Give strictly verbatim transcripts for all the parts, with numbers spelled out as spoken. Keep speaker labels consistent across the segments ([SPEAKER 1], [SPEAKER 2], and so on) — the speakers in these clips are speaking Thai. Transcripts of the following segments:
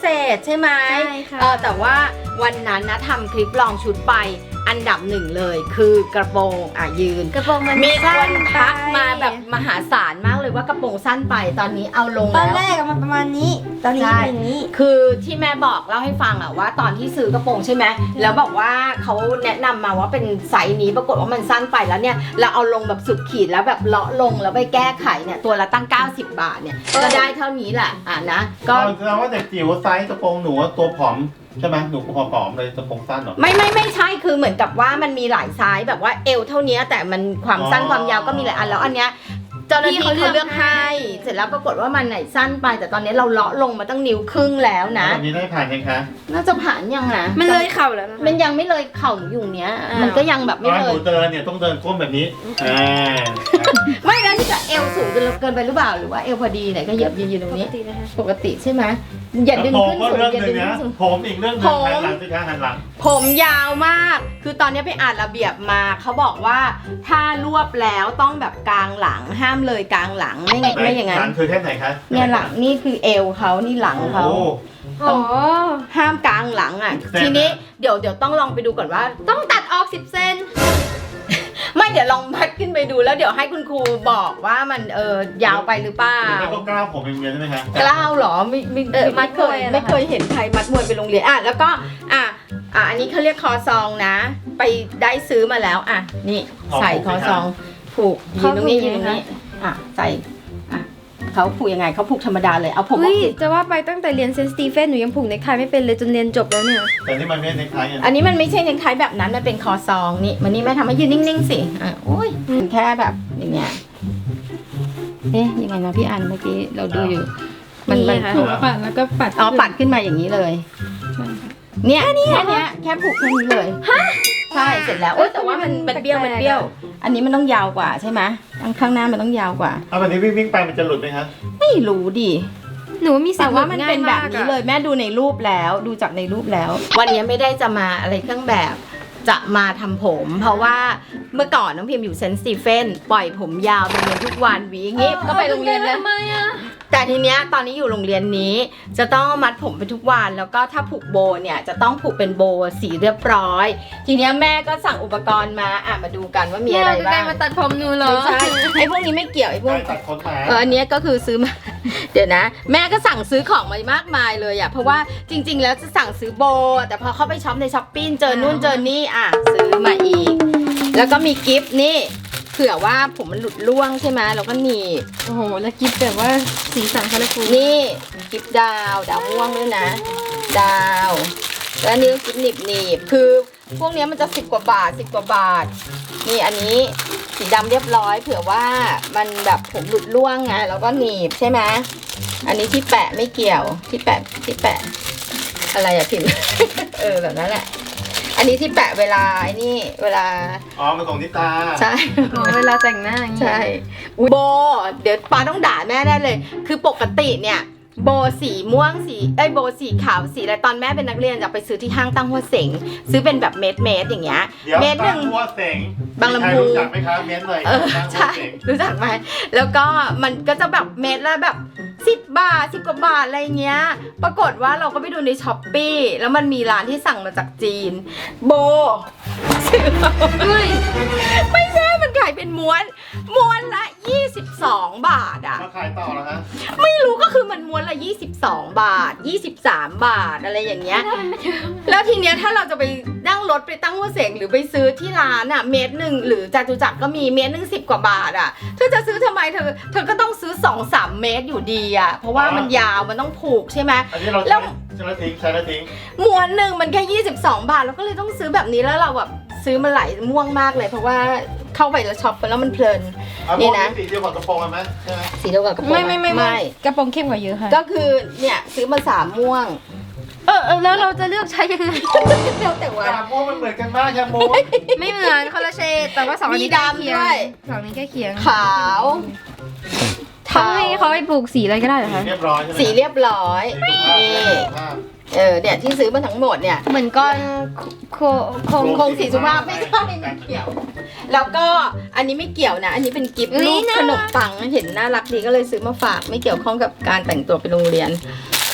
[SPEAKER 1] เศษใช่ไหม
[SPEAKER 2] ใช่ค่ะ
[SPEAKER 1] เออแต่ว่าวันนั้นนะทำคลิปลองชุดไปอันดับหนึ่งเลยคือกระโปรงอ่ะยืน
[SPEAKER 2] กระโปรงมัน
[SPEAKER 1] มีค
[SPEAKER 2] สั้
[SPEAKER 1] น
[SPEAKER 2] น
[SPEAKER 1] ทักมาแบบมหาศาลมากเลยว่ากระโปรงสั้นไปตอนนี้เอาลง
[SPEAKER 2] ตอน
[SPEAKER 1] แล้ว
[SPEAKER 2] แรกมันประมาณนี้ ตอนนี้
[SPEAKER 1] ใช่
[SPEAKER 2] เป็นอย่างนี้
[SPEAKER 1] คือที่แม่บอกเล่าให้ฟังอะว่าตอนที่ซื้อกระโปรงใช่ไหมแล้วบอกว่าเขาแนะนำมาว่าเป็นไซส์นี้ปรากฏว่ามันสั้นไปแล้วเนี่ยเราเอาลงแบบสุดขีดแล้วแบบเลาะลงแล้วไปแก้ไขเนี่ยตัวละตั้งเก้าสิบบาทเนี่ยก็ได้เท่านี้แหละอ่ะนะก็
[SPEAKER 3] ก็แสดงว่าเด็กจิ๋วไซส์กระโปรงหนูตัวผอมใช่ไหมหนูผอมๆเลยกระโปรงสั้นเหรอ
[SPEAKER 1] ไม่ไม่ไม่ใช่คือเหมือนกับว่ามันมีหลายไซส์แบบว่าเอวเท่านี้แต่มันความสั้น
[SPEAKER 3] อ๋อ
[SPEAKER 1] ความยาวก็มีหลายอันแล้วอันเนี้ยเจ้าหน้าที่
[SPEAKER 2] พี่
[SPEAKER 1] เขา
[SPEAKER 2] เขาเลื
[SPEAKER 1] เลื
[SPEAKER 2] อ
[SPEAKER 1] อก กให้เสร็จแล้วปรากฏว่ามันไหนสั้นไป แต่ตอนนี้เราเลาะลงมาตั้งนิ้วครึ่งแล้วนะ
[SPEAKER 3] แบบนี้ได้ผ่านยังคะ
[SPEAKER 1] น่าจะผ่านยังนะ
[SPEAKER 2] มันเลยเข่าแล้วนะคะ
[SPEAKER 1] มันยังไม่เลยเข่าหนูอยู่เนี้ย
[SPEAKER 2] อ้าว
[SPEAKER 1] มันก็ยังแบบ
[SPEAKER 3] ต
[SPEAKER 1] ไม่
[SPEAKER 3] อน
[SPEAKER 1] เล
[SPEAKER 3] ห
[SPEAKER 1] ย
[SPEAKER 3] นูเดินเนี่ยต้องเดินก้มแบบนี้อ่า
[SPEAKER 1] ไม่แล้วนี่จะเอวสูงเกินเกินไปหรือเปล่าหรือว่าเอวพอดีไหนก็เหยียบยืนอยู่ตรงนี้
[SPEAKER 2] ปกตินะคะ
[SPEAKER 1] ปกติใช่ไหมอย่าดึง
[SPEAKER 3] ผม
[SPEAKER 1] ขึ้น
[SPEAKER 3] ก็
[SPEAKER 1] สูง
[SPEAKER 3] เรื่อง
[SPEAKER 1] อย่า
[SPEAKER 3] ห
[SPEAKER 1] ดึ
[SPEAKER 3] นึ่
[SPEAKER 1] ง
[SPEAKER 3] ง
[SPEAKER 1] ขึ้
[SPEAKER 3] นะ
[SPEAKER 1] นสูง
[SPEAKER 3] ผมอีกเรื่องหนึง
[SPEAKER 1] ผม
[SPEAKER 3] หันหลังสิคะหันหลัง
[SPEAKER 1] ผมยาวมาก คือตอนนี้ไปอ่านระเบียบมาเขาบอกว่าถ้ารวบแล้วต้องแบบกลางหลังห้ามเลยกลางหลังไม่ไงไม่อย่างนั้น
[SPEAKER 3] หลังคือแค่ไหนคะ
[SPEAKER 1] เนี่ยหลังนี่คือเอวเขานี่หลังเขา
[SPEAKER 3] โอ้
[SPEAKER 2] อ๋อ
[SPEAKER 1] ห้ามกลางหลังอ่ะ
[SPEAKER 3] เซน
[SPEAKER 1] ทีนี้เดี๋ยวเดี๋ยวต้องลองไปดูก่อนว่า
[SPEAKER 2] ต้องตัดออกสิบเซน
[SPEAKER 1] ไม่เดี๋ยวลองพัดขึ้นไปดูแล้วเดี๋ยวให้คุณครูบอกว่ามันเออยาวไปหรือเปล่า
[SPEAKER 3] หรือไม่ก็กล้าวผมเป็นเมียใช่ไหมคะ
[SPEAKER 1] กล้าวเหรอไม่ไม่
[SPEAKER 2] เออ
[SPEAKER 1] ไม่
[SPEAKER 2] มัด
[SPEAKER 1] เค
[SPEAKER 2] มวย
[SPEAKER 1] ย
[SPEAKER 2] อะนะคะ
[SPEAKER 1] ไม่เคยเห็นใครมัดมวยไปโรงเรียนอ่ะแล้วก็อ่ะอ่ะอันนี้เขาเรียกคอซองนะ ไปได้ซื้อมาแล้วอ่ะนี่ใส่คอซองผูกยืนตรงนี้ยืนตรงนี้อ่ะใส่อ่ะเขาผูกยังไงเขาผูกธรรมดาเลยเอาผมอ
[SPEAKER 2] เฮ้
[SPEAKER 1] อย กสิ
[SPEAKER 2] จะว่าไปตั้งแต่เรียนเซนต์สตีเฟนหนูยังผูกเนคไทไม่เป็นเลยจนเรียนจบแล้วเนี่ย
[SPEAKER 3] แต่นี่มันไม่ในคล้ายกัน
[SPEAKER 1] อันนี้มันไม่ใช่เนคไทแบบนั้นมันเป็นคอซองนี่มันนี่แม่ทำให้ยืนนิ่งๆสิอ่ะโอ้ยมันแค่แบบอย่างเงี้ยเอ๊ยยังไงนะพี่อันเมื่อกี้เราดูอยู่มันมัน
[SPEAKER 2] นี่ค่ะ
[SPEAKER 1] ผูก
[SPEAKER 4] ปัดแล้วก็ปัด
[SPEAKER 1] อ๋อปัดขึ้นมาอย่างนี้เลย เนี่ยแค่เนี้ยแค่ผูกแค่นี้เลยใช่เสร็จแล้วโอ๊ยแต่ว่ามันมันเบี้ยวมันเบี้ยว อันนี้มันต้องยาวกว่าใช่ไหมข้างข้างหน้ามันต้องยาวกว่า
[SPEAKER 3] เอาแบบนี้วิ่งวิ่งไปมันจะหลุดไหมคะ
[SPEAKER 1] ไม่รู้ดิ
[SPEAKER 2] หนูว่ามีสิท
[SPEAKER 1] แต่
[SPEAKER 2] ธิ์
[SPEAKER 1] ว่ามันเป็นแบบนี้
[SPEAKER 2] ง่ายมากอะ
[SPEAKER 1] เลยแม่ดูในรูปแล้วดูจากในรูปแล้ว วันนี้ไม่ได้จะมาอะไรเครื่องแบบจะมาทำผม เพราะว่าเมื่อก่อนน้องพิมอยู่เซนต์สตีเฟนปล่อยผมยาวไปเรียนทุกวันหวีอย่างงี้ก็ไปโรงเรียนแล้ว
[SPEAKER 2] ทำไมอะ
[SPEAKER 1] แต่ทีเนี้ยตอนนี้อยู่โรงเรียนนี้ จะต้องมัดผมไปทุกวันแล้วก็ถ้าผูกโบเนี่ยจะต้องผูกเป็นโบสีเรียบร้อย ทีเนี้ยแม่ก็สั่งอุปกรณ์มาอ่ะมาดูกันว่ามีอะไร
[SPEAKER 2] ใกล้
[SPEAKER 1] บ้าง
[SPEAKER 2] มาตัดผมหนูเหรอ
[SPEAKER 1] ไม่ใช่ไอ้พวกนี้ไม่เกี่ยวไอ้พวก
[SPEAKER 3] ได้ตัดขนหมา
[SPEAKER 1] เอออันเนี้ยก็คือซื้อมา เดี๋ยวนะ แม่ก็สั่งซื้อของมามากมายเลยอ่ะเพราะว่าจริง ๆ แล้วจะสั่งซื้อโบ แต่พอเข้าไปช็อปในช้อปปิ้งเจอนู่นเจอนี่อ่ะซื้อมาอีก แล้วก็มีกิฟต์นี่เผื่อว่าผมมันหลุดร่วงใช่ไหมเราก็หนีบ
[SPEAKER 2] โอ้โหแล้วกิฟต์แบบว่าสีสันคาราฟู
[SPEAKER 1] นี่กิฟต์ดาวดาวม่วงด้วยนะ ดาวแล้วอันนี้ก็กิฟต์หนีบหนีบคือพวกเนี้ยมันจะสิบกว่าบาทสิบกว่าบาท นี่อันนี้สีดำเรียบร้อย เผื่อว่ามันแบบผมหลุดร่วงไงแล้วก็หนีบใช่ไหมอันนี้ที่แปะไม่เกี่ยวที่แปะที่แปะอะไรอะพิมพ์ เออแบบนั้นแหละ อันนี้ที่แปะเวลาไอ้นี่เวลา
[SPEAKER 3] อ๋อมันของนิตา
[SPEAKER 1] ใช่
[SPEAKER 2] อ๋อเวลาแต่งหน้าอย่างเงี้ย
[SPEAKER 1] ใช่อุ๊ยโบ เดี๋ยวป้าต้องด่าแม่ได้เลย คือปกติเนี่ยโบสีม่วงสีเอ้ยโบสีขาวสีอะไรตอนแม่เป็นนักเรียนจะไปซื้อที่ห้างตั้งหัวเสงซื้อเป็นแบบเม็ดเม็ดๆอย่างเงี้ย
[SPEAKER 3] เดี๋ยว
[SPEAKER 1] เม็ดห
[SPEAKER 3] ตั้
[SPEAKER 1] นึ่
[SPEAKER 3] ง
[SPEAKER 1] ง
[SPEAKER 3] หัวเสง
[SPEAKER 1] บางลำพู
[SPEAKER 3] ใครรู้จักไหมคะเม้นเลย
[SPEAKER 1] เออ
[SPEAKER 3] ตั้งหัว
[SPEAKER 1] ใช่
[SPEAKER 3] เสง
[SPEAKER 1] รู้จักไหมแล้วก็มันก็จะแบบเม็ดละแบบสิบบาทสิบกว่าบาทอะไรเงี้ย ปรากฏว่าเราก็ไปดูในช้อปปี้แล้วมันมีร้านที่สั่งมาจากจีน โบซื้อมา
[SPEAKER 2] เฮ้ย
[SPEAKER 1] ไม่ใช่มันขายเป็นม้วนม้วนละยี่สิบสองบาทอะ
[SPEAKER 3] มาขายต่อแล้วฮะ
[SPEAKER 1] ไม่รู้ก็คือมันม้วนละยี่สิบสองบาทยี่สิบสามบาทอะไรอย่างเงี้ย แล้วทีเนี้ยถ้าเราจะไปนั่งรถไปตั้งหัวเสงหรือไปซื้อที่ร้านอะเมตรหนึ่งหรือจตุจักรก็มีเมตรหนึ่งสิบกว่าบาทอะเธอจะซื้อทำไมเธอเธอก็ต้องซื้อสองสามเมตรอยู่ดีอะเพราะว่ามันยาวมันต้องผูกใช่ไหม
[SPEAKER 3] อันนี้เรา
[SPEAKER 1] แล้
[SPEAKER 3] ใช้
[SPEAKER 1] ว
[SPEAKER 3] ใช้แล้วทิ้งใช้แล้วทิ้ง
[SPEAKER 1] ม้วนหนึ่งมันแค่ยี่สิบสองบาทเราก็เลยต้องซื้อแบบนี้แล้วเราแบบซื้อมาหลายม่วงมากเลย เพราะว่าเข้าไปแล้วช็อปไปแล้วมันเพลิน
[SPEAKER 3] เอา
[SPEAKER 1] นี่
[SPEAKER 3] พวก
[SPEAKER 1] นะ
[SPEAKER 3] สีเดียวกับกระโปรงกันไหมใช่ไหม
[SPEAKER 1] สีเดียวกับกระโปรง
[SPEAKER 2] ไม่ไม่ไม่
[SPEAKER 1] ไม่
[SPEAKER 2] กระโปรงเข้มกว่าเยอะค่ะ
[SPEAKER 1] ก็คือเนี่ยซื้อมาสามม่วง
[SPEAKER 2] เออเออแล้วเราจะเลือกใช้ยังไง
[SPEAKER 1] แล้วแต่ว่า
[SPEAKER 3] แคมูมันเหมือนกันมากแคมู
[SPEAKER 2] ไม่เหมือนคนละเฉดแต่ว่าสองอันนี้
[SPEAKER 1] มี
[SPEAKER 2] ใกล้
[SPEAKER 1] ดำ
[SPEAKER 2] เคียง
[SPEAKER 1] ด้วย
[SPEAKER 2] สองนี้ใกล้เคียง
[SPEAKER 1] ขาว
[SPEAKER 2] เขาให้เขาไปปลูกสีอะไรก็ได้เหรอ
[SPEAKER 3] สี
[SPEAKER 2] คะ
[SPEAKER 3] เรียบร้อยใช่ไหม
[SPEAKER 1] สีเรียบร้อย
[SPEAKER 3] สีสุภาพ
[SPEAKER 1] นี่
[SPEAKER 3] สีสุภาพ
[SPEAKER 1] เออเนี่ยที่ซื้อมาทั้งหมดเนี่ย
[SPEAKER 2] เหมือนก้อนโคโค
[SPEAKER 1] ค
[SPEAKER 2] ง
[SPEAKER 1] งคงสีสุภาพไม่ใช่ไม่เกี่ยว แล้วก็อันนี้ไม่เกี่ยวนะ อันนี้เป็นกิฟต์รูปขนมปังเห็นน่ารักดีก็เลยซื้อมาฝากไม่เกี่ยวข้องกับการแต่งตัวไปโรงเรียน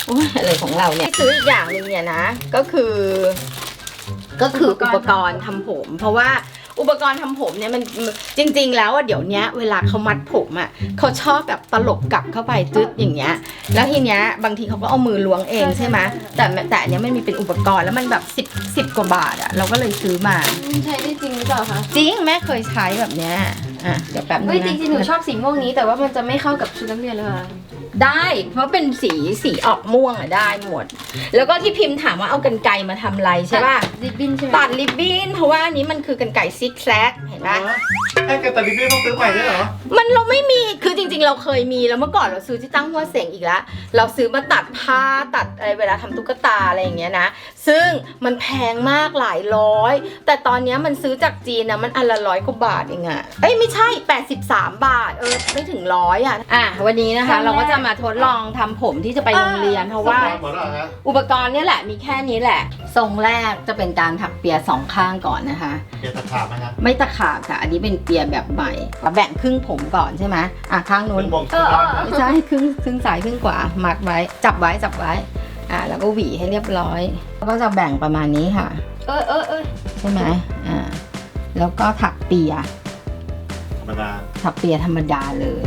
[SPEAKER 1] โอ้ยอะไรของเราเนี่ยซื้ออีกอย่างหนึ่งเนี่ยนะก็คือ ก็คืออุปกรณ์ทำผม เพราะว่าอุปกรณ์ทำผมเนี่ยมันจริงๆแล้วอ่ะเดี๋ยวนี้เวลาเขามัดผมอ่ะเขาชอบแบบตลบกลับเข้าไปจึ๊ดอย่างเงี้ยแล้วทีเนี้ยบางทีเขาก็เอามือล้วงเองใช่ไหมแต่แต่อันเนี้ยมันมีเป็นอุปกรณ์แล้วมันแบบสิบสิบกว่าบาทอ่ะเราก็เลยซื้อมา
[SPEAKER 2] ใช้ได้จริงหรือเปล่าคะ
[SPEAKER 1] จริงแม่เคยใช้แบบเนี้ยอ่ะเดี๋ยวแป๊บนึง
[SPEAKER 2] เฮ้ย
[SPEAKER 1] นะ
[SPEAKER 2] จริงๆหนูชอบสีม่วงนี้แต่ว่ามันจะไม่เข้ากับชุดนักเรียนเลยค่ะ
[SPEAKER 1] ได้เพราะเป็นสีสีออกม่วงอ่ะได้หมด แล้วก็ที่พิมพ์ถามว่าเอากรรไกรมาทำอะไรใช่ป่ะ
[SPEAKER 2] ริบบิ้นใช่ไหม
[SPEAKER 1] ตัดริบบิ้นเพราะว่าอันนี้มันคือกรรไกรซิกแซกเห็นปะ
[SPEAKER 3] ไอ้กระต่ายลิบบิ้นต้องซื้อใหม่ด้วยเหรอ
[SPEAKER 1] มันเราไม่มีคือจริงๆเราเคยมีแล้วเมื่อก่อนเราซื้อที่ตั้งหัวเสงอีกแล้วเราซื้อมาตัดผ้าตัดอะไรเวลาทำตุ๊กตาอะไรอย่างเงี้ยนะซึ่งมันแพงมากหลายร้อยแต่ตอนเนี้ยมันซื้อจากจีนนะมันอันละร้อยกว่าบาทเองอะเอ้ยไม่ใช่แปดสิบสามบาทเออไม่ถึงร้อยอะอ่ะวันนี้นะคะเราก็จะมาทดลองทำผมที่จะไปโรงเรียนเพราะว่า
[SPEAKER 3] หมดแล้วเหรอฮะ
[SPEAKER 1] อุปกรณ์เนี่ยแหละมีแค่นี้แหละ ทรงแรกจะเป็นการถักเปียสองข้างก่อนนะคะ
[SPEAKER 3] เกียร์ตะขาบไหมฮะ
[SPEAKER 1] ไม่ตะขาบค่ะ อันนี้เป็นเปียแบบใหม่แบ่งครึ่งผมก่อนใช่ไหมอ่ะข้างนู้
[SPEAKER 3] เป็น นวง
[SPEAKER 2] เอ
[SPEAKER 3] สุด
[SPEAKER 2] อย เอ
[SPEAKER 3] อด
[SPEAKER 2] อ
[SPEAKER 3] นะ
[SPEAKER 1] ไม่ใช่ครึ่งครึ่งซ้ายครึ่งขวามัดไว้จับไว้จับไว้อ่ะแล้วก็หวีให้เรียบร้อยแล้วก็จะแบ่งประมาณนี้ค่ะ
[SPEAKER 2] เออเออเออ
[SPEAKER 1] ใช่ไหมอ่าแล้วก็ถักเปีย
[SPEAKER 3] ธรรมดา
[SPEAKER 1] ถักเปียธรรมดาเลย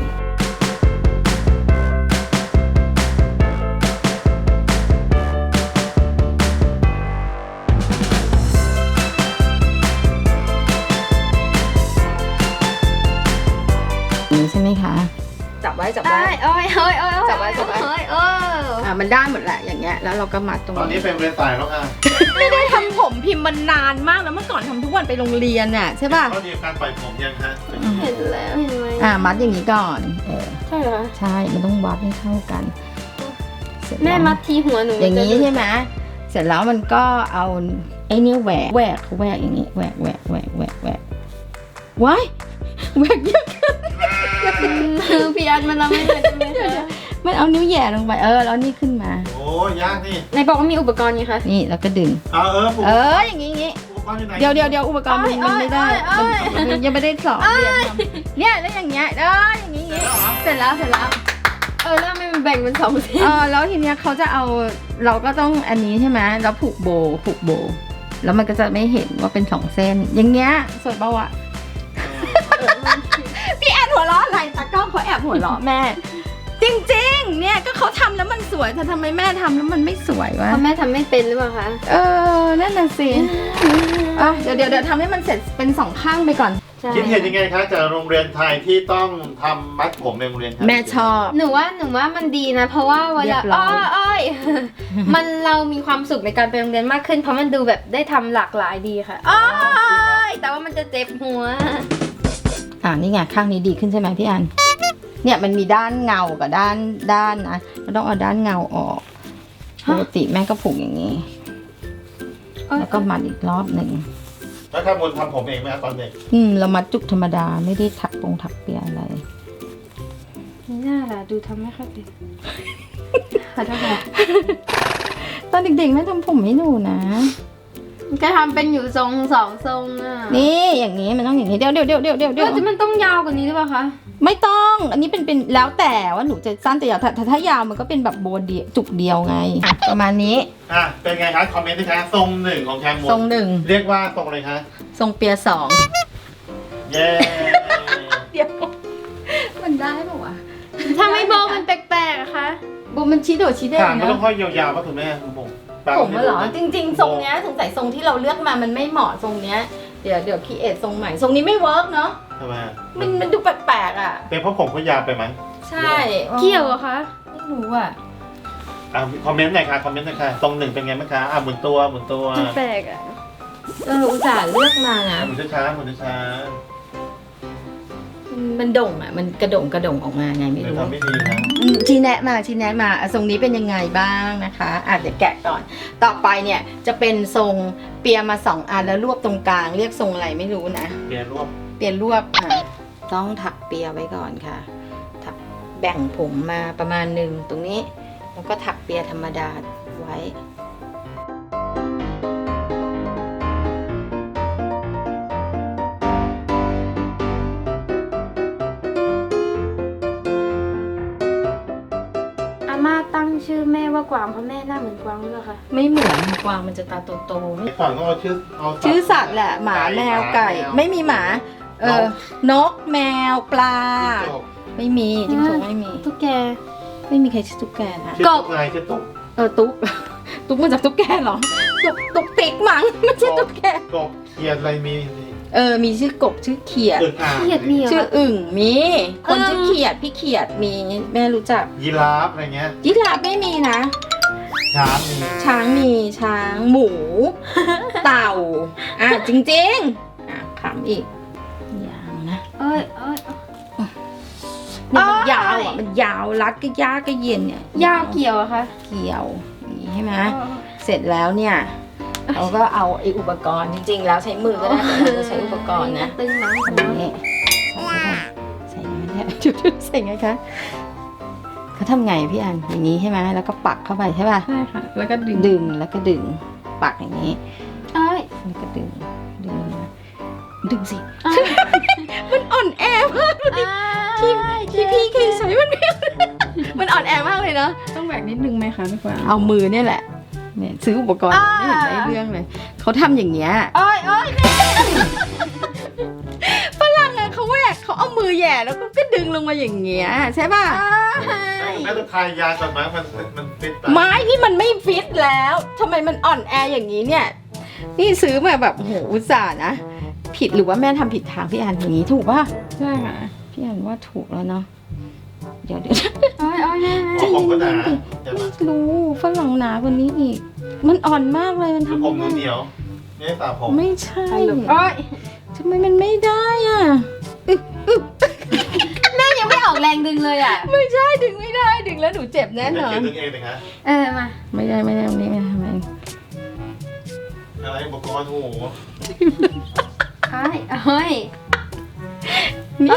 [SPEAKER 1] นี่ใช่ไหมคะจับไว้จับ
[SPEAKER 2] เอ้
[SPEAKER 1] ไว้
[SPEAKER 2] ยเอ้ยเอ้ยเอ้ย
[SPEAKER 1] จับไว้จับไว้
[SPEAKER 2] เอ้ยเออ
[SPEAKER 1] อ่ะมันได้หมดแหละอย่างเงี้ยแล้วเราก็มัดตรง
[SPEAKER 3] ตอนนี้
[SPEAKER 1] นี้
[SPEAKER 3] เป็นเรียนสายแล้วค่ะ
[SPEAKER 1] ไม่ได้ทำผมพิมพ์มันนานมากแล้วเมื่อก่อนทำทุกวันไปโรงเรียนน่ะใช่ป่ะ
[SPEAKER 3] เขาเรียนการปล่อยผมยังฮะ
[SPEAKER 2] เห็นแล้วเห็นไหม
[SPEAKER 1] อ่ะมัดอย่างนี้ก่อนเออ
[SPEAKER 2] ใช่เหรอ
[SPEAKER 1] ใช่มันต้องวัดให้เท่ากันเสร็จ
[SPEAKER 2] แม่
[SPEAKER 1] ล้ว
[SPEAKER 2] มัดทีหัวหนู
[SPEAKER 1] อย่างนี้ใช่ไหมเสร็จแล้วมันก็เอาไอ้เนี่ยแหวกแหวกเขาแหวกอย่างนี้แหวกแหวกแหวกแหวกแหวกว้ายแหวกเยอะเกิน
[SPEAKER 2] คือพี่อันมันเราไม่เหมือนกันไหมคะ
[SPEAKER 1] มันเอานิ้วแหย่ลงไปเออแล้วนี่ขึ้นมา
[SPEAKER 3] โอ้ยากนี่
[SPEAKER 2] ไหนบอกว่ามีอุปกรณ์ไงคะ
[SPEAKER 1] นี่แล้วก็ดึง
[SPEAKER 3] เอาเออผม
[SPEAKER 1] เอออย่างนี้อย่างนี้
[SPEAKER 3] อุปกรณ์อยู่ไหน
[SPEAKER 1] เดี๋ยวเดี๋ยวเดี๋ยวอุปกรณ์มันมันไม่ได้
[SPEAKER 2] เอ้ยเอ้ย
[SPEAKER 1] มันยังไม่ได้สอนเรียนทำเนี่ยแล้วอย่างเงี้ยเอออย่างนี้อย่างนี้เสร็จแล้วเสร็จแล้ว
[SPEAKER 2] เออแล้วทำไมมันแบ่งเป็นสองเส้น
[SPEAKER 1] เออแล้วทีเนี้ยเขาจะเอาเราก็ต้องอันนี้ใช่ไหมแล้วผูกโบผูกโบ แล้วมันก็จะไม่เห็นว่าเป็นสองเส้น อย่างเงี้ยสวยปะวะพี่แอนหัวเราะอะไรตากล้องเขาแอบหัวเราะแม่ จริงๆ เนี่ยก็เขาทำแล้วมันสวยแต่ทำไมแม่ทำแล้วมันไม่สวยวะ
[SPEAKER 2] เพราะแม่ทำไม่เป็นหรือเปล่าคะ
[SPEAKER 1] เออนั่นน่ะสิอ่ะเดี๋ยวเดี๋ยวเดี๋ยวทำให้มันเสร็จเป็นสองข้างไปก่อน
[SPEAKER 2] ใช่
[SPEAKER 3] คิดเห็นยังไงคะจากโรงเรียนไทยที่ต้องทำมัดผมในโรงเรียนไทย
[SPEAKER 1] แม่ชอบ
[SPEAKER 2] หนูว่าหนูว่ามันดีนะ เพราะว่าเว
[SPEAKER 1] เรี
[SPEAKER 2] ลาย
[SPEAKER 1] บร้
[SPEAKER 2] อ้
[SPEAKER 1] อ
[SPEAKER 2] อย ยอ้อย มันเรามีความสุขในการไปโรงเรียนมากขึ้น เพราะมันดูแบบได้ทำหลากหลายดีค่ะอ้อยแต่ว่ามันจะเจ็บหัว
[SPEAKER 1] อ่านี่ไงข้างนี้ดีขึ้นใช่ไหมพี่อันเนี่ยมันมีด้านเงากับด้านด้านนะเราต้องเอาด้านเงาออกปกติแม่ก็ผูกอย่างนี้ แล้วก็มัดอีกรอบหนึ่ง
[SPEAKER 3] แล้วข้ามูลทำผมเองไหมครับตอนเด็ก
[SPEAKER 1] อืมเรามัดจุกธรรมดาไม่ได้ถักปงถักเปียอะไร
[SPEAKER 2] นี่น่าล่ะดูทำไม่ค่อยเป็นขอโทษค่ะ
[SPEAKER 1] ตอนเด็กๆแม่ทำผมให้หนูนะ
[SPEAKER 2] ก็ทำเป็นอยู่ทรงสองทรงอ่ะ
[SPEAKER 1] นี่อย่างนี้มันต้องอย่างนี้เดี๋ยวเดี๋ยวเดี๋ยวเดี๋ยวเดี๋ยว
[SPEAKER 2] เดี๋ยวจะมันต้องยาวกว่านี้หรือเปล่าคะ
[SPEAKER 1] ไม่ต้อง อันนี้เป็นเป็นแล้วแต่ว่าหนูจะสั้นจะยาวถ้าถ้าถ้ายาวมันก็เป็นแบบโบเดียวจุกเดียวไงอ่ะประมาณนี้
[SPEAKER 3] อ่ะเป็นไงคะคอมเมนต์นะคะทรงหนึ่งของแคมูล
[SPEAKER 1] ทรงหนึ่ง
[SPEAKER 3] เรียกว่าทรงอะไรคะ
[SPEAKER 1] ทรงเปียสอง
[SPEAKER 3] เย้
[SPEAKER 1] เดี๋ยวมันได้ปะวะ
[SPEAKER 2] ถ้าไม่โบมันแปลกๆอะคะ
[SPEAKER 1] โบมันชี้โดดชี้เด้ง
[SPEAKER 3] ถามไม่
[SPEAKER 1] นะ
[SPEAKER 3] ต้องค่อยยาวๆป่ะคุณแม่คุณผม
[SPEAKER 1] ผมเหรอจริงๆทรงเนี้ยสงสัยทรงที่เราเลือกมามันไม่เหมาะทรงเนี้ยเดี๋ยวเดี๋ยวคีเอททรงใหม่ทรงนี้ไม่เวิร์กเนาะ
[SPEAKER 3] ทำไม
[SPEAKER 1] มันมันดูแปลกๆอ่ะ
[SPEAKER 3] เป็นเพราะผมก็ยาวไปมั้ง
[SPEAKER 1] ใช่
[SPEAKER 2] เกี่ยวเหรอะคะ
[SPEAKER 1] ไม่รู้อ่ะ
[SPEAKER 3] อ่ะคอมเมนต์หน่อยค่ะคอมเมนต์หน่อยค่ะทรงหนึ่งเป็นไงบ้างคะอ่ะหมุนตัวหมุนตัว
[SPEAKER 2] มันแปลกอะ
[SPEAKER 1] เอออุตส่าห์เลือกมานะ
[SPEAKER 3] หมุนช้าๆหมุนช้า
[SPEAKER 1] มันโด่งอ่ะมันกระโด่งกระโด่งออกมาไง
[SPEAKER 3] ๆ
[SPEAKER 1] ไม่
[SPEAKER 3] เดี๋ยว
[SPEAKER 1] รู้
[SPEAKER 3] ทำไม่ดีนะ
[SPEAKER 1] อืมชี้แนะมาชี้แนะมาอ่ะทรงนี้เป็นยังไงบ้างนะคะอ่ะเดี๋ยวแกะก่อน ต่อไปเนี่ยจะเป็นทรงเปียมาสองอันแล้วรวบตรงกลางเรียกทรงอะไรไม่รู้นะ
[SPEAKER 3] เปลี่ยนรวบ
[SPEAKER 1] เปียรวบอ่ะต้องถักเปียไว้ก่อนค่ะถักแบ่งผมมาประมาณหนึ่งตรงนี้ แล้วก็ถักเปียธรรมดาไว้
[SPEAKER 2] อาม่าตั้งชื่อแม่ว่ากวางเพราะแม่หน้าเหมือนกวางหรือเปล่าคะ
[SPEAKER 1] ไม่เหมือนกวางมันจะตาโตๆ
[SPEAKER 3] เมื่อก่อนก็เอาชื่อเอาสัตว์
[SPEAKER 1] ชื่อสัตว์แหละหมาแมวไก่
[SPEAKER 3] แมว
[SPEAKER 1] ไม่มีหมา เออนกแมวปลา
[SPEAKER 3] จิ้งจก
[SPEAKER 1] ไม่มีจิ้งจกไม่มี
[SPEAKER 2] ตุ๊กแก
[SPEAKER 1] ไม่มีใครชื่อตุ๊กแกนะ
[SPEAKER 3] ชื่อตุ๊กไงชื่อตุ๊ก
[SPEAKER 1] เออตุ๊ก ตุ๊กมาจากตุ๊กแกเหรอตุ๊กตุ๊กติ๊กมั้งไม่ใช่ตุ๊กแก
[SPEAKER 3] กบเขียดอะไรมีนี่
[SPEAKER 1] เออมีชื่อกบชื่อเขียด
[SPEAKER 3] อึ่งอ่าง
[SPEAKER 2] เขียดมีเหรอ
[SPEAKER 1] ชื่ออึ่งมีคน
[SPEAKER 2] เออ
[SPEAKER 1] ชื่อเขียดพี่เขียดมีแม่รู้จัก
[SPEAKER 3] ยีราฟอะไรเงี้ย
[SPEAKER 1] ยีราฟไม่มีนะ
[SPEAKER 3] ช้างมี
[SPEAKER 1] ช้างมีช้างหมู เต่าอ่ะจริงๆอ่ะขำอีกอย่างนะ
[SPEAKER 2] เอ้ยเอ้ย
[SPEAKER 1] เนี่ยมัน
[SPEAKER 2] อ้าย
[SPEAKER 1] ยาวอ่ะมันยาวรัดก็ยากก็เย็นเนี่ย
[SPEAKER 2] ยาวเกี่ยวอะคะ
[SPEAKER 1] เกี่ยวอย่างนี้ใช่ไหม
[SPEAKER 2] อ๋อ
[SPEAKER 1] เสร็จแล้วเนี่ยเราก็เอาไอ้อุปกรณ์จริงๆ แล้วใช้มือก็ได้แต่เราจะใช้อุปกรณ์นะ
[SPEAKER 2] ตึงหนัง
[SPEAKER 1] อัน
[SPEAKER 2] หัว
[SPEAKER 1] นี้ใส่ไงเนี่ยจุดๆใส่ไงคะเขาทำไงพี่อันอย่างนี้ใช่ไหมแล้วก็ปักเข้าไปใช่ป่ะ
[SPEAKER 4] ใช่ค่ะ แล้วก็ดึง
[SPEAKER 1] ดึงแล้วก็ดึงปักอย่างนี้
[SPEAKER 2] เอ้ย
[SPEAKER 1] แล้วก็ดึงดึงนะดึงสิ
[SPEAKER 2] เอ้ย
[SPEAKER 1] มันอ่อนแอมากที่ที่พี่เคยใช้มันไม่มันอ่อนแอมากเลยเนาะ
[SPEAKER 4] ต้องแบกนิดนึงไหมคะพี่กวาง
[SPEAKER 1] เอามือเนี่ยแหละเนี่ยซื้ออุปกรณ์ไม่เห็นได้เรื่องเลยเขาทำอย่างเงี้ย
[SPEAKER 2] เอ้ยเอ้ย
[SPEAKER 1] ฝรั่งอะเขาแหวกเขาเอามือแหย่แล้วก็ดึงลงมาอย่างเงี้ยใช่ป่ะ
[SPEAKER 3] แม่ต้องทายยาก่อนไหมมันมันฟิตไป
[SPEAKER 1] ไม้นี่มันไม่ฟิตแล้วทำไมมันอ่อนแออย่างนี้เนี่ย นี่ซื้อมาแบบโอ้โหอุตส่าห์นะ ผิดหรือว่าแม่ทำผิดทางพี่อันอย่างนี้ถูกป่ะ
[SPEAKER 4] ใช่ค่ะ
[SPEAKER 1] พี่อันว่าถูกแล้วเนาะเดี๋ยวเดี๋ยว
[SPEAKER 2] เอ้ยเอ้ยแม่แม่
[SPEAKER 3] หัวผมก็หนาใช่ไหม
[SPEAKER 1] ไม่รู้ฝรั่งหนากว่านี้อีก มันอ่อนมากเลยมัน
[SPEAKER 3] คือ
[SPEAKER 1] ทำ
[SPEAKER 3] ผมหนู
[SPEAKER 1] ไม่
[SPEAKER 3] เหนี
[SPEAKER 1] ได้
[SPEAKER 3] ยวไม่ได้สระผม
[SPEAKER 1] ไม่ใช่
[SPEAKER 2] เอ้ย
[SPEAKER 1] ทำไมมันไม่ได้อ่ะอึ๊บอึ๊บ
[SPEAKER 2] แม่ยังไม่ออกแรงดึงเลยอ่ะ
[SPEAKER 1] ไม่ใช่ดึงไม่ได้ดึงแล้วหนูเจ็บแน่น
[SPEAKER 3] ไม่
[SPEAKER 1] อ
[SPEAKER 3] เกี่ย
[SPEAKER 1] น
[SPEAKER 3] วดึงเองเลยฮะ
[SPEAKER 2] เออมา
[SPEAKER 1] ไม่ได้ไม่ได้ตรงนี้ไม่ทำไม
[SPEAKER 3] อะไรอุปกรณ์โอ้โห
[SPEAKER 2] เอ้ยเอ้ย
[SPEAKER 1] นี่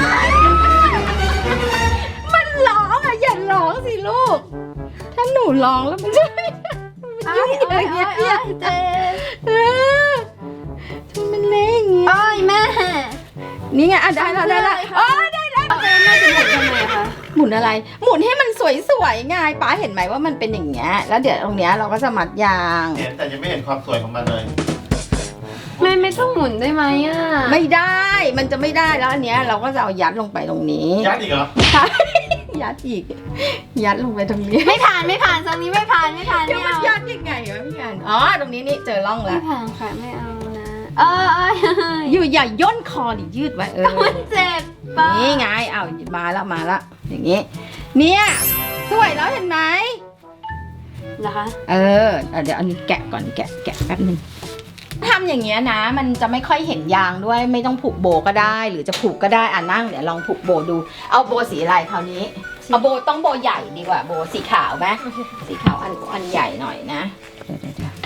[SPEAKER 1] มันร้องอ่ะอย่าร้องสิลูก ถ้าหนูร้องแล้วมันจะ
[SPEAKER 2] เอ้ยเอ้ยเอ้ยเอ้ยเจ็บ
[SPEAKER 1] เออทำไมมันเละอย่างงี้
[SPEAKER 2] เอ้ยแม่
[SPEAKER 1] นี่ไงอ่ะได้แล้วได้แล้วอ๋อได้แล้ว
[SPEAKER 2] เอาไปแม่จะหมุนทำไมคะ
[SPEAKER 1] หมุนอะไร หมุนให้มันสวยๆไงป้าเห็นไหมว่ามันเป็นอย่างเงี้ยแล้วเดี๋ยวตรงเนี้ยเราก็จะมัดยาง
[SPEAKER 3] เห็นแต่ยังไม่เห็นความสวยของมันเลย
[SPEAKER 2] แม่ไม่ต้องหมุนได้ไหมอ่ะ
[SPEAKER 1] ไม่ได้ มันจะไม่ได้แล้วอันเนี้ยเราก็จะเอายัดลงไปตรงนี้
[SPEAKER 3] ยัดอีกเหรอ
[SPEAKER 1] ใช่ ยัดอีก ยัดลงไปตรงนี้
[SPEAKER 2] ไม่ผ่านไม่ผ่านทรงนี้ไม่ผ่านไม่ผ่าน
[SPEAKER 1] เดี๋ยว
[SPEAKER 2] ไม่
[SPEAKER 1] มัน
[SPEAKER 2] เอา
[SPEAKER 1] ยัดยังไงวะพี่อันอ๋อ ตรงนี้นี่เจอร่อง
[SPEAKER 2] ไม่
[SPEAKER 1] แล้ว
[SPEAKER 2] ผ่านค่ะไม่เอานะเอ้ยเอ้ยเอ้ย
[SPEAKER 1] อยู่อย่าย่นคอดิยืดไว้เออ
[SPEAKER 2] มันเจ็บปะ
[SPEAKER 1] นี่ไงเอามาแล้วมาแล้วอย่างงี้ เนี่ย สวยแล้วเห็นไหม
[SPEAKER 2] เหรอคะ
[SPEAKER 1] เออ เดี๋ยวอันนี้แกะก่อนแกะแกะแป๊บนึงทำอย่างเงี้ยนะ มันจะไม่ค่อยเห็นยางด้วย ไม่ต้องผูกโบก็ได้ หรือจะผูกก็ได้อ่ะนั่งเดี๋ยวลองผูกโบดู เอาโบสีอะไรคราวนี้ เอาโบต้องโบใหญ่ดีกว่า โบสีขาวไหมสีขาวอันอันใหญ่หน่อยนะ เดี๋ยวเดี๋ยวเดี๋ยว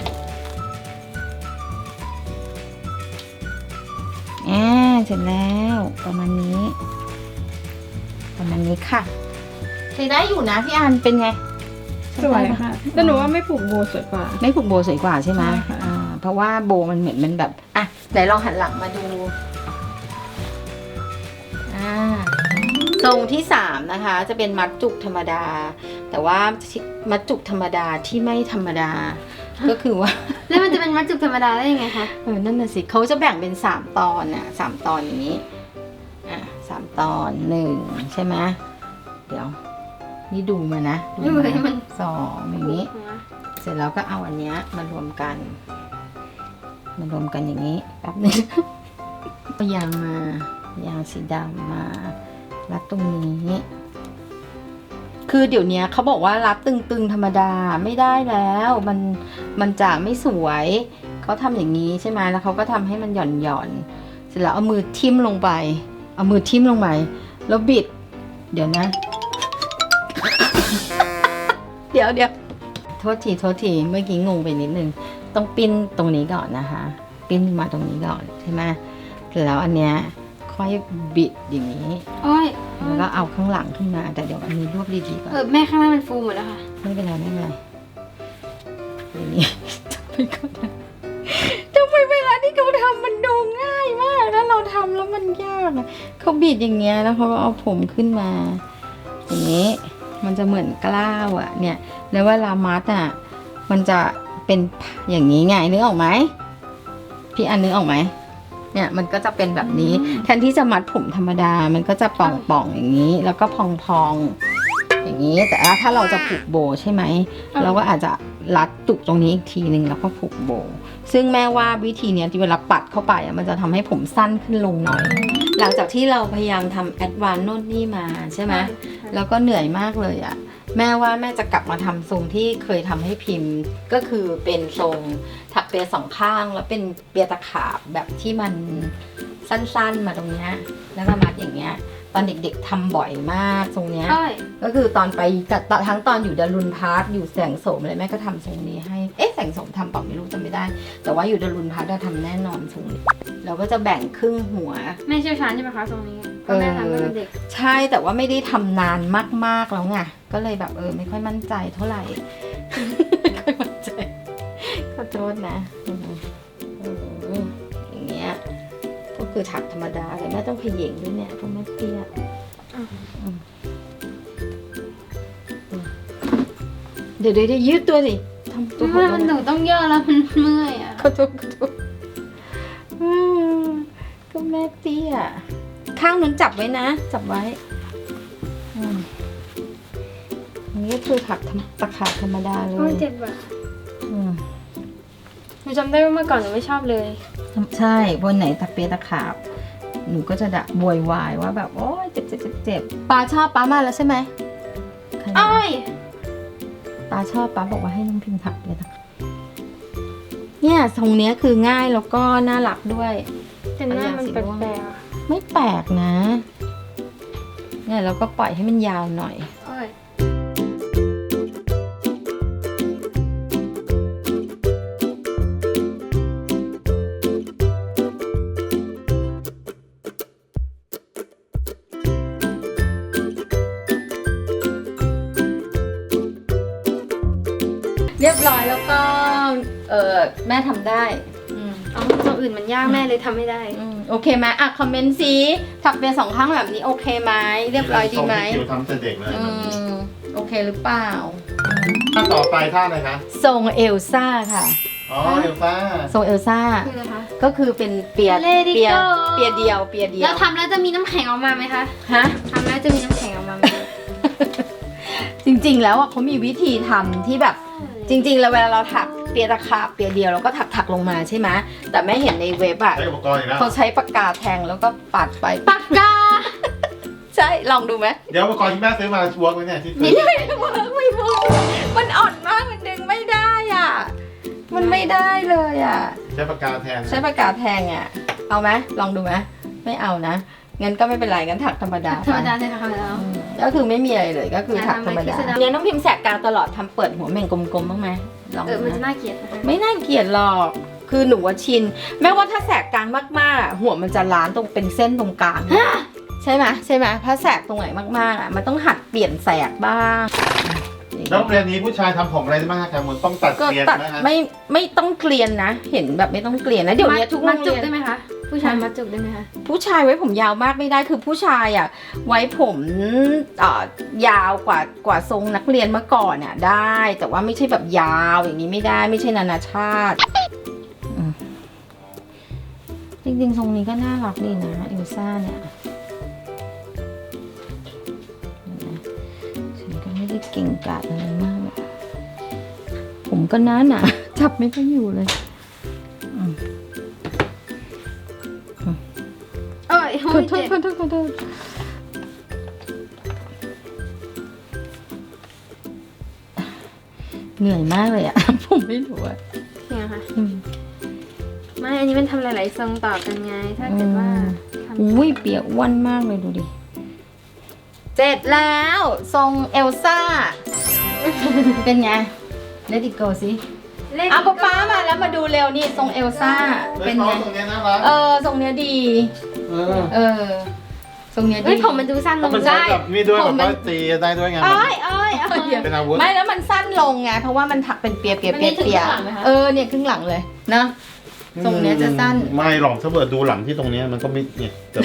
[SPEAKER 1] อ่าเสร็จแล้วประมาณนี้ ประมาณนี้ค่ะใช้ได้อยู่นะพี่อันเป็นไง
[SPEAKER 4] สวยค่ะ แต่หนูว่าไม่ผูกโบสวยกว่า
[SPEAKER 1] ไม่ผูกโบสวยกว่าใช่ไหม
[SPEAKER 4] ใช่ค่ะ
[SPEAKER 1] อ่าเพราะว่าโบมันเหมือนมันแบบอ่ะไหนลองหันหลังมาดูอ่าทรงที่สามนะคะ จะเป็นมัดจุกธรรมดา แต่ว่ามัดจุกธรรมดาที่ไม่ธรรมดา ก็คือว่า
[SPEAKER 2] แล้วมันจะเป็นมัดจุกธรรมดาได้ยังไงคะ
[SPEAKER 1] เออนั่นน่ะสิเขาจะแบ่งเป็นสามตอนน่ะสามตอนอย่างนี้อ่ะสามตอนหนึ่งใช่ไหมเดี๋ยว นี่ดูมานะดู
[SPEAKER 2] ดู
[SPEAKER 1] มา
[SPEAKER 2] ให้มัน
[SPEAKER 1] สองอย่างนี้ เสร็จแล้วก็เอาอันเนี้ยมารวมกัน มารวมกันอย่างนี้แป๊บนึง เอายางมายางสีดำมารัดตรงนี้ คือเดี๋ยวนี้เขาบอกว่ารัดตึงๆธรรมดาไม่ได้แล้ว มันมันจะไม่สวยเขาทำอย่างนี้ใช่ไหมแล้วเขาก็ทำให้มันหย่อนหย่อนๆเสร็จแล้วเอามือทิ่มลงไป เอามือทิ่มลงไปแล้วบิด เดี๋ยวนะ เดี๋ยวเดี๋ยวโทษทีโทษทีเมื่อกี้งงไปนิดนึงต้องปิ้นตรงนี้ก่อนนะคะ ปิ้นมาตรงนี้ก่อนใช่ไหมเสร็จแล้วอันเนี้ยค่อยบิดอย่างนี้
[SPEAKER 2] โอ้ย
[SPEAKER 1] แล้วก็เอาข้างหลังขึ้นมา แต่เดี๋ยวอันนี้รวบดีๆก่อน
[SPEAKER 2] เออแม่ข้างหน้ามันฟูหมดแล้วค่ะ
[SPEAKER 1] ไม่เป็นไรไม่เป็นไรอย่างนี้ ไปก่อนนะทำไมเวลาที่เขาทำมันดูง่ายมากแล้วเราทำแล้วมันยากอะเขาบิดอย่างเงี้ยแล้วเขาก็เอาผมขึ้นมา อย่างนี้มันจะเหมือนกล้าวอะเนี่ย แล้วเวลามัดอะมันจะเป็นอย่างนี้ไงนึกออกไหมพี่อันนึกออกไหมเนี่ยมันก็จะเป็นแบบนี้แทนที่จะมัดผมธรรมดามันก็จะป่องๆอย่างนี้ แล้วก็พองๆอย่างนี้ แต่ถ้าเราจะผูกโบใช่ไหมเราก็อาจจะรัดจุกตรงนี้อีกทีนึงแล้วก็ผูกโบซึ่งแม่ว่าวิธีเนี้ยที่เวลาปัดเข้าไปอะมันจะทำให้ผมสั้นขึ้นลงหน่อย หลังจากที่เราพยายามทำแอดวานซ์โน่นนี่มาใช่ไหมแล้วก็เหนื่อยมากเลยอะแม่ว่าแม่จะกลับมาทำทรงที่เคยทำให้พิมพ์ก็คือเป็นทรงถักเปียสองข้างแล้วเป็นเปียตะขาบแบบที่มันสั้นๆมาตรงเนี้ยแล้วก็มัดอย่างเงี้ยตอนเด็กๆทำบ่อยมากทรงเนี้ย
[SPEAKER 2] อ้อย
[SPEAKER 1] ก็คือตอนไปกับทั้งตอนอยู่ดารุณพาร์ทอยู่แสงโสมอะไรแม่ก็ทำทรงนี้ให้เอ๊ะแสงโสมทำเปล่าไม่รู้จำไม่ได้ แต่ว่าอยู่ดารุณพาร์ทเราทำแน่นอนทรงนี้เราก็จะแบ่งครึ่งหัว
[SPEAKER 2] แม่เชี่ยวชาญใช่ไหมคะตรงนี้เพราะแม่ทำตั้งแต่เด็ก
[SPEAKER 1] ใช่แต่ว่าไม่ได้ทำนานมากๆแล้วไงก็เลยแบบเออไม่ค่อยมั่นใจเท่าไหร่ ไม่ค่อยมั่นใจขอโทษนะเอออย่างเงี้ยก็คือถักธรรมดาเลยแม่ต้องเขย่งด้วยเนี่ยเพราะแม่เตี้ย
[SPEAKER 2] อ้าว
[SPEAKER 1] อืมเดี๋ยวเดี๋ยวเดี๋ยวยืดตัวสิทำตัว
[SPEAKER 2] แม่มันหนูต้องย่อแล้วมันเมื่อยอ่ะ
[SPEAKER 1] ขอโทษขอโทษอืมก็แม่เตี้ยข้างนั้นจับไว้นะ จับไว้อืมอันนี้ก็คือถักตะขาบธรรมดาเล
[SPEAKER 2] โอ้ย
[SPEAKER 1] ย
[SPEAKER 2] เจ็บอ่ะ
[SPEAKER 1] อืม
[SPEAKER 2] หนูจำได้ว่าเมื่อก่อนหนูไม่ชอบเลย
[SPEAKER 1] ใช่วันไหนตะเปียตะขาบ หนูก็จะดะบวยวายว่าแบบโอ๊ยเจ็บเจ็บเจ็บเจ็บปาชอบป้ามาแล้วใช่ไหมใครมา
[SPEAKER 2] อ้อย
[SPEAKER 1] ปาชอบป้าบอกว่าให้น้องพิมพ์ถักเปียตะขาบเนี่ยทรงเนี้ยคือง่ายแล้วก็น่ารักด้วย
[SPEAKER 2] แต่หน้ามันแปลกๆอะ
[SPEAKER 1] ไม่แปลกนะ เนี่ยเราก็ปล่อยให้มันยาวหน่อย
[SPEAKER 2] อ้อย
[SPEAKER 1] เรียบร้อยแล้วก็ เออแม่ทำได้อืม
[SPEAKER 2] อ๋อตัวอื่นมันยากแม่เลยทำไม่ได้
[SPEAKER 1] อืมโอเคไหมอ่ะคอมเมนต์สิถักเปียสองข้างแบบนี้โอเคไหมเรียบร้อยดีไหม
[SPEAKER 3] คิวทำแต่เด็กเลย
[SPEAKER 1] อืมโอเคหรือเปล่า
[SPEAKER 3] ท่าต่อไปท่าอะไรคะ
[SPEAKER 1] ทรงเอลซ่าค่ะ
[SPEAKER 3] อ๋อเอลซ่า
[SPEAKER 1] ทรงเอลซ่า
[SPEAKER 2] คืออะไรคะ
[SPEAKER 1] ก็คือเป็นเปีย
[SPEAKER 2] Let it
[SPEAKER 1] เปีย
[SPEAKER 2] go
[SPEAKER 1] เปียเดียวเปียเดีย
[SPEAKER 2] แล้ว วทำแล้วจะมีน้ำแข็งออกมาไหมคะ
[SPEAKER 1] ฮะ
[SPEAKER 2] ทำแล้วจะมีน้ำแข็งออกมาไหม
[SPEAKER 1] จริงๆ แล้วอ่ะเขามีวิธีทำที่แบบจริงๆ แล้วเวลาเราถักเปียตะขาบเปียเดียวเราก็ถักถักลงมาใช่ไหมแต่แม่เห็นในเว็บอ่ะ
[SPEAKER 3] ใช้อุปกรณ์อีกแล้ว
[SPEAKER 1] เขาใช้ปากกาแทงแล้วก็ปัดไป
[SPEAKER 2] ปากกา
[SPEAKER 1] ใช่ลองดูไหม
[SPEAKER 3] เดี๋ยวอุปกรณ์ที่แม่ซื้อมาชัวร์ไว้เนี่ยที่ซื้อ
[SPEAKER 1] ไม่ได้ไม่เวิร์กไม่เวิร์กมันอ่อนมากมันดึงไม่ได้อ่ะมันไม่ได้เลยอ่ะ
[SPEAKER 3] ใช้ปากกาแทน
[SPEAKER 1] ใช้ปากกาแทงอ่ะเอาไหมลองดูไหมไม่เอานะงั้นก็ไม่เป็นไรงั้นถักธรรมดา
[SPEAKER 2] ธรรม
[SPEAKER 1] ไป
[SPEAKER 2] ดาเลยค่ะแล้ว
[SPEAKER 1] อืมก็คือไม่มีอะไรเลยก็คือถักธรรมดา
[SPEAKER 2] อ่ะทำไมคิดซะแล้ว
[SPEAKER 1] เนี่ยน้องพิมพ์แสกกลางตลอดทำเปิดหัวเม่งกลมๆบ้างไหมลอง
[SPEAKER 2] เออ
[SPEAKER 1] ดู
[SPEAKER 2] มันจะ
[SPEAKER 1] นะ
[SPEAKER 2] น่าเกลียดนะคะ
[SPEAKER 1] ไม่น่าเกลียดหรอก คือหนูว่าชิน แม้ว่าถ้าแสกกลางมากๆอ่ะหัวมันจะล้านตรงเป็นเส้นตรงกลางใช่ไหมใช่ไหมถ้าแสกตรงไหนมากๆอ่ะมันต้องหัดเปลี่ยนแสกบ้าง
[SPEAKER 3] แล้วเรียนนี้ผู้ชายทำผมอะไรได้บ้างคะแคมูลต้องตัด
[SPEAKER 1] ก็
[SPEAKER 3] เกลียน
[SPEAKER 1] ตัด
[SPEAKER 3] ไหมคะ
[SPEAKER 1] ไม่ไม่ต้องเกลียนนะ เห็นแบบไม่ต้องเกลียนนะเดี๋ยวนี้ทุกโร
[SPEAKER 2] มัด
[SPEAKER 1] ง
[SPEAKER 2] จุ
[SPEAKER 1] เรี
[SPEAKER 2] ก
[SPEAKER 1] ยน
[SPEAKER 2] ได้ไหมคะ ผู้ชายมัดจุกได้ไหมคะ
[SPEAKER 1] ผู้ชายไว้ผมยาวมากไม่ได้คือผู้ชายอ่ะไว้ผมเอ่อยาวกว่ากว่าทรงนักเรียนเมื่อก่อนอ่ะได้ แต่ว่าไม่ใช่แบบยาวอย่างนี้ไม่ได้ไม่ใช่นานาชาติอืมจริงๆทรงนี้ก็น่ารักดีนะเอลซ่าเนี่ยฉันก็ไม่ได้เก่งกาจอะไรมากอะผมก็หนาหนาจับไม่ค่อยอยู่เลยอืม
[SPEAKER 2] เอ้ย
[SPEAKER 1] ขอโทษขอโทษขอโทษเหนื่อยมากเลยอะ ผมไม่รู้อะ
[SPEAKER 2] เนี่ยค่ะ
[SPEAKER 1] อืม
[SPEAKER 2] ไม่ อันนี้มันทำหลายๆทรงต่อกันไง ถ้าเกิดว่าทำ
[SPEAKER 1] อุ้ยเปียกอ้วนมากเลยดูดิ เสร็จแล้วทรงเอลซ่า เป็นไง Let it go สิ
[SPEAKER 2] เล่น
[SPEAKER 1] เอาป๊าป๊ามาแล้วมาดูเร็วนี่ทรงเอลซ่า
[SPEAKER 3] เป็
[SPEAKER 1] เป็น น
[SPEAKER 3] น้อ
[SPEAKER 1] ไง
[SPEAKER 3] งตรงเนี้ยน่ารัก
[SPEAKER 1] เออทรงเนี้ยดี
[SPEAKER 3] เออ
[SPEAKER 1] เออทรงเนี้ยดี
[SPEAKER 2] เฮ้ยผมมันดูสั้นล
[SPEAKER 3] ต้อง
[SPEAKER 2] ง
[SPEAKER 3] เป็นใช้
[SPEAKER 2] ได้
[SPEAKER 3] แบบนี่ด้วย
[SPEAKER 1] ผ
[SPEAKER 3] แบ
[SPEAKER 1] ม
[SPEAKER 3] บ
[SPEAKER 1] มัน
[SPEAKER 3] ว่าตีได้ด้วยไง
[SPEAKER 2] เอ้ยเอ้ยเอ้ย
[SPEAKER 3] เป็นอาวุธ
[SPEAKER 1] ไม่แล้วมันสั้นลงไงเพราะว่ามันถักเป็นเปียเปียเปียเปีย
[SPEAKER 2] มันมีถึงข้างหลังไหมคะ
[SPEAKER 1] เออเนี่ยครึ่งหลังเลยนะ ทรงเนี้ยจะสั้น
[SPEAKER 3] ไม่หรอกถ้าเกิดดูหลังที่ตรงเนี้ยมันก็ไม่เนี่ยแบบ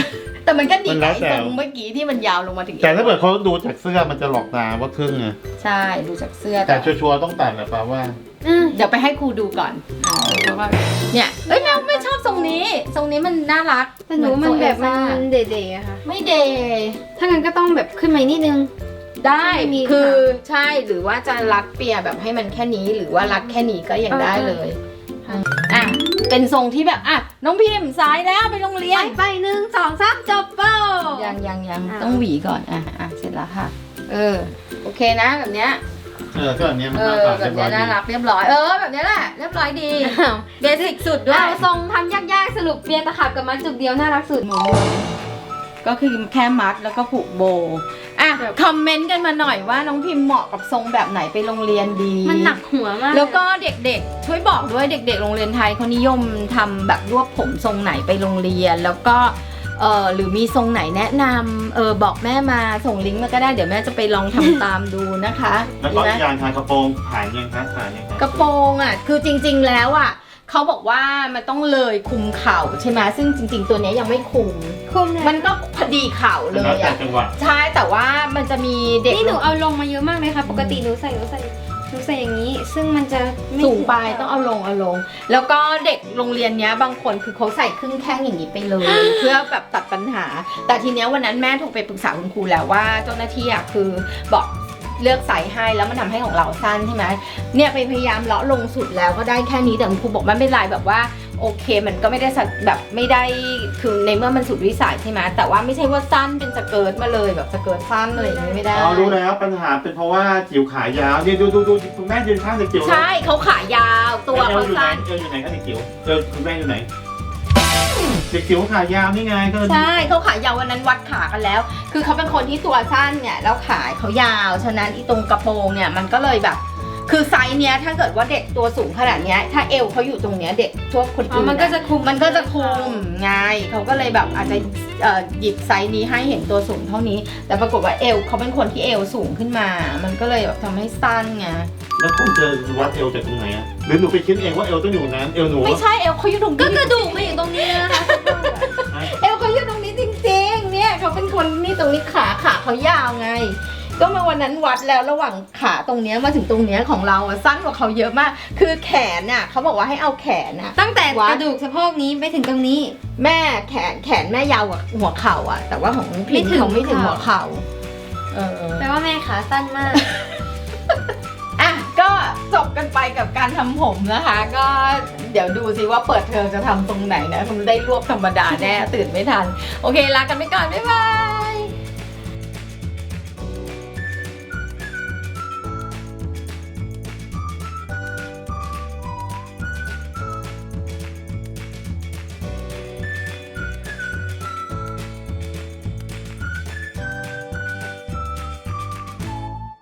[SPEAKER 1] แต่มันก็ดี
[SPEAKER 3] มัน
[SPEAKER 1] ก
[SPEAKER 3] แล้
[SPEAKER 1] ว่าว ไอ้
[SPEAKER 3] แต่
[SPEAKER 1] ทรงเมื่อกี้ที่มันยาวลงมาถึง
[SPEAKER 3] แต่ถ้าเกิดเขาดูจากเสื้อมันจะหลอกตาว่าครึ่งไง
[SPEAKER 1] ใช่ดูจากเสื้อ
[SPEAKER 3] แต่ชัวร์ๆต้องตัดแหละป่าว่า
[SPEAKER 2] อืม
[SPEAKER 1] เดี๋ยวไปให้ครูดูก่อนอ่าเพราะว่าเนี่ยเอ้ยแมวไม่ชอบทรงนี้ทรงนี้มันน่ารัก
[SPEAKER 2] แต่หนูว่ามันแบบมัน
[SPEAKER 1] เหอ
[SPEAKER 2] มัน
[SPEAKER 1] ทรงเอลซ่า
[SPEAKER 2] เด่ๆอะค่ะ
[SPEAKER 1] ไม่เดย์
[SPEAKER 2] ถ้างั้นก็ต้องแบบขึ้นมาอีกนิดนึง
[SPEAKER 1] ได้
[SPEAKER 2] มี
[SPEAKER 1] คือใช่หรือว่าจะรัดเปียแบบให้มันแค่นี้หรือว่ารัดแค่นี้ก็ยังได้เลยอ่ะเป็นทรงที่แบบอ่ะน้องพิมพ์สายแล้วไปโรงเรีย
[SPEAKER 2] ไป
[SPEAKER 1] น
[SPEAKER 2] ไปหนึ่งสองสามจบเป้า
[SPEAKER 1] ยังยังยัง
[SPEAKER 2] อ่ะ
[SPEAKER 1] ต้องหวีก่อนอ่ะอ่ะเสร็จแล้วค่ะ เออโอเคนะแบบเนี้ย
[SPEAKER 3] เออก็อันเนี้ยมัน
[SPEAKER 1] เอ
[SPEAKER 3] น่า
[SPEAKER 1] อ
[SPEAKER 3] ตัด
[SPEAKER 1] แบ
[SPEAKER 3] เรีย
[SPEAKER 1] บบ
[SPEAKER 3] ร้อยดี
[SPEAKER 1] เนี้ยน่ารักเรียบร้อยเออแบบเนี้ยแหละเรียบร้อยดีเบสิกสุดด้วย
[SPEAKER 2] เอาทรงทำยากๆสรุปเปียตะขับกับมัดจุกเดียวน่ารักสุด
[SPEAKER 1] ก็คือแค่มัดแล้วก็ผูกโบว์อ่ะคอมเมนต์กันมาหน่อยว่าน้องพิมพ์เหมาะกับทรงแบบไหนไปโรงเรียนดี
[SPEAKER 2] มันหนักหัวมาก
[SPEAKER 1] แล้วก็เด็กๆ ช่วยบอกด้วยเด็กๆ โรงเรียนไทยเขานิยมทำแบบรวบผมทรงไหนไปโรงเรียน แล้วก็เออหรือมีทรงไหนแนะนำเออบอกแม่มาส่งลิงก์มาก็ได้เดี๋ยวแม่จะไปลองทำตามดูนะคะ
[SPEAKER 3] แล้ว
[SPEAKER 1] ดี
[SPEAKER 3] ก็
[SPEAKER 1] ไหม
[SPEAKER 3] อีกอย่างทางกระโปรงถ่ายยังคะถ่ายยังคะ
[SPEAKER 1] กระโปรงอ่ะคือจริงๆแล้วอ่ะเขาบอกว่ามันต้องเลยคุมเข่าใช่ไหมซึ่งจริง ๆ ตัวเนี้ยยังไม่คุม
[SPEAKER 2] คุมเลย
[SPEAKER 1] มันก็พอดีเข่าเล
[SPEAKER 3] แล้ว
[SPEAKER 1] ย
[SPEAKER 3] แต่
[SPEAKER 1] อ่ะ
[SPEAKER 3] จังหวะ
[SPEAKER 1] ใช่แต่ว่ามันจะมีเด็ก
[SPEAKER 2] นี่หนูเอาลงมาเยอะมากเลยค่ะ ปกติหนูใส่หนูใส่หนูใส่อย่างนี้ ซึ่งมันจะไม่
[SPEAKER 1] สูงไปต้องเอาลงเอาลง แล้วก็เด็กโรงเรียนเนี้ยบางคนคือเขาใส่ครึ่งแข้งอย่างนี้ไปเลย เพื่อแบบตัดปัญหา แต่ทีเนี้ยวันนั้นแม่โทรไปปรึกษาคุณครูแล้วว่าเจ้าหน้าที่อ่ะคือบอกเลือกไซส์ให้แล้วมันทำให้ของเราสั้นใช่ไหมเนี่ยไปพยายามเลาะลงสุดแล้วก็ได้แค่นี้แต่คุณครูบอกมันไม่เป็นไรแบบว่าโอเคมันก็ไม่ได้สักแบบไม่ได้คือในเมื่อมันสุดวิสัยใช่ไหมแต่ว่าไม่ใช่ว่าสั้นเป็นสเกิร์ตมาเลยแบบสเกิร์ตสั้นอะไรอย่างนี้ไม่ได้
[SPEAKER 3] อ๋อรู้แล้วปัญหาเป็นเพราะว่าจิ๋วขายาวนี่ดูดูดูคุณแม่ยืนข้างเด็กจิ๋วเลย
[SPEAKER 1] ใช่เขาขายาวตัว
[SPEAKER 3] เอ
[SPEAKER 1] เขา
[SPEAKER 3] วอยู่ไหน
[SPEAKER 1] สั้น
[SPEAKER 3] เอวอยู่ไหนคะเด็กจิ๋วเอวคุณแม่อยู่ไหนเด็กจิ๋วขายาวนี่ไงก็
[SPEAKER 1] ใช่เขาขายาววันนั้นวัดขากันแล้ว คือเขาเป็นคนที่ตัวสั้นเนี่ยแล้วขาเขายาว ฉะนั้นอีตรงกระโปรงเนี่ยมันก็เลยแบบ คือไซส์เนี้ยถ้าเกิดว่าเด็กตัวสูงขนาดเนี้ยถ้าเอวเขาอยู่ตรงเนี้ยเด็กทั่วคน
[SPEAKER 2] อ๋อ
[SPEAKER 1] อื่น
[SPEAKER 2] มันก็จะคุม
[SPEAKER 1] มันก็จะคุมไงเขาก็เลยแบบอาจจะเอ่อหยิบไซส์นี้ให้เห็นตัวสูงเท่านี้ แต่ปรากฏว่าเอวเขาเป็นคนที่เอวสูงขึ้นมา มันก็เลยแบบทำให้สั้นไง
[SPEAKER 3] แล้วคุณจะวัดเอวจากตรงไหนอะหรือหนูไปคิดเองว่าเอวต้องอยู่นั้นเอวหนู
[SPEAKER 1] ไม่ใช่เอวเขาอยู่ตรง
[SPEAKER 2] ก็
[SPEAKER 1] นี้
[SPEAKER 2] กระดูกมาอยู่ตรงนี้นะคะ
[SPEAKER 1] เอวเขาอยู่ตรงนี้จริงๆ เนี่ยเขาเป็นคนนี่ตรงนี้ขาขาเขายาวไง ก็มาวันนั้นวัดแล้วระหว่างขาตรงเนี้ยมาถึงตรงเนี้ยของเราอะสั้นกว่าเขาเยอะมาก คือแขนน่ะเขาบอกว่าให้เอาแขนน่ะ
[SPEAKER 2] ตั้งแต่
[SPEAKER 1] วัด
[SPEAKER 2] กระดูกสะโพกนี้ไปถึงตรงนี้
[SPEAKER 1] แม่แขนแขนแม่ยาวกว่าหัวเข่าอ่ะ แต่ว่าของพิ
[SPEAKER 2] ไม่
[SPEAKER 1] ม
[SPEAKER 2] ถึง
[SPEAKER 1] เขาไม่ถึง
[SPEAKER 2] เข่า
[SPEAKER 1] หัวเข่าเออ
[SPEAKER 2] แปลว่าแม่ขาสั้นมาก
[SPEAKER 1] อ่ะก็จบกันไปกับการทำผมนะคะ ก็เดี๋ยวดูสิว่าเปิดเทอมจะทำตรงไหนนะคงได้รวบธรรมดาแน่ตื่นไม่ทัน โอเคลากันไปก่อนบ๊ายบาย